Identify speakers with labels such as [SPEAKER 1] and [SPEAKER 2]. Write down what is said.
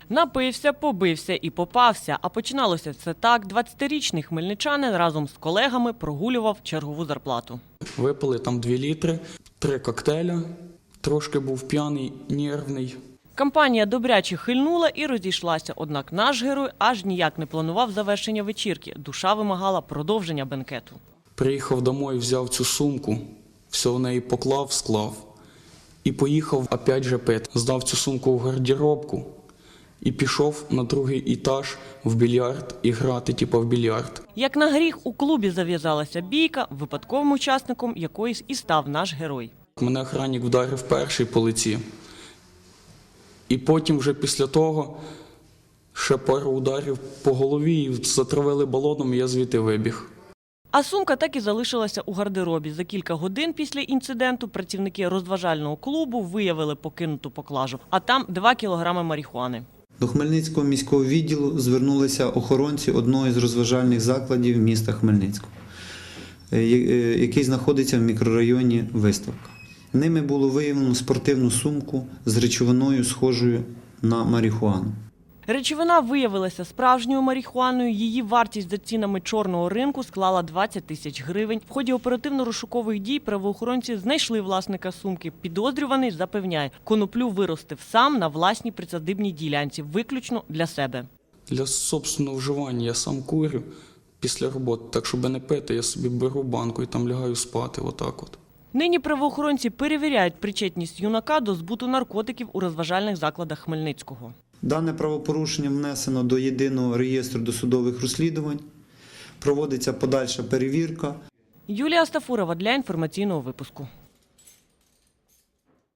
[SPEAKER 1] Напився, побився і попався. А починалося все так. 20-річний хмельничанин разом з колегами прогулював чергову зарплату.
[SPEAKER 2] Випили там 2 літри, 3 коктейля, трошки був п'яний, нервний.
[SPEAKER 1] Компанія добряче хильнула і розійшлася. Однак наш герой аж ніяк не планував завершення вечірки. Душа вимагала продовження бенкету.
[SPEAKER 2] Приїхав домой, взяв цю сумку, все в неї поклав, склав. І поїхав опять же пити. Здав цю сумку в гардеробку і пішов на другий етаж в більярд і грати в більярд.
[SPEAKER 1] Як на гріх, у клубі зав'язалася бійка, випадковим учасником якоїсь і став наш герой.
[SPEAKER 2] Мене охранник вдарив перший по лиці. І потім вже після того ще пару ударів по голові і затравили балоном, і я звідти вибіг.
[SPEAKER 1] А сумка так і залишилася у гардеробі. За кілька годин після інциденту працівники розважального клубу виявили покинуту поклажу, а там 2 кілограми марихуани.
[SPEAKER 3] До Хмельницького міського відділу звернулися охоронці одного із розважальних закладів міста Хмельницького, який знаходиться в мікрорайоні Виставка. Ними було виявлено спортивну сумку з речовиною, схожою на марихуану.
[SPEAKER 1] Речовина виявилася справжньою марихуаною. Її вартість за цінами чорного ринку склала 20 тисяч гривень. В ході оперативно-розшукових дій правоохоронці знайшли власника сумки. Підозрюваний запевняє, коноплю виростив сам на власній присадибній ділянці, виключно для себе.
[SPEAKER 2] Для собственного вживання я сам курю після роботи, так щоб не пити, я собі беру банку і там лягаю спати, отак от.
[SPEAKER 1] Нині правоохоронці перевіряють причетність юнака до збуту наркотиків у розважальних закладах Хмельницького.
[SPEAKER 3] Дане правопорушення внесено до єдиного реєстру досудових розслідувань. Проводиться подальша перевірка.
[SPEAKER 1] Юлія Стафурова для інформаційного випуску.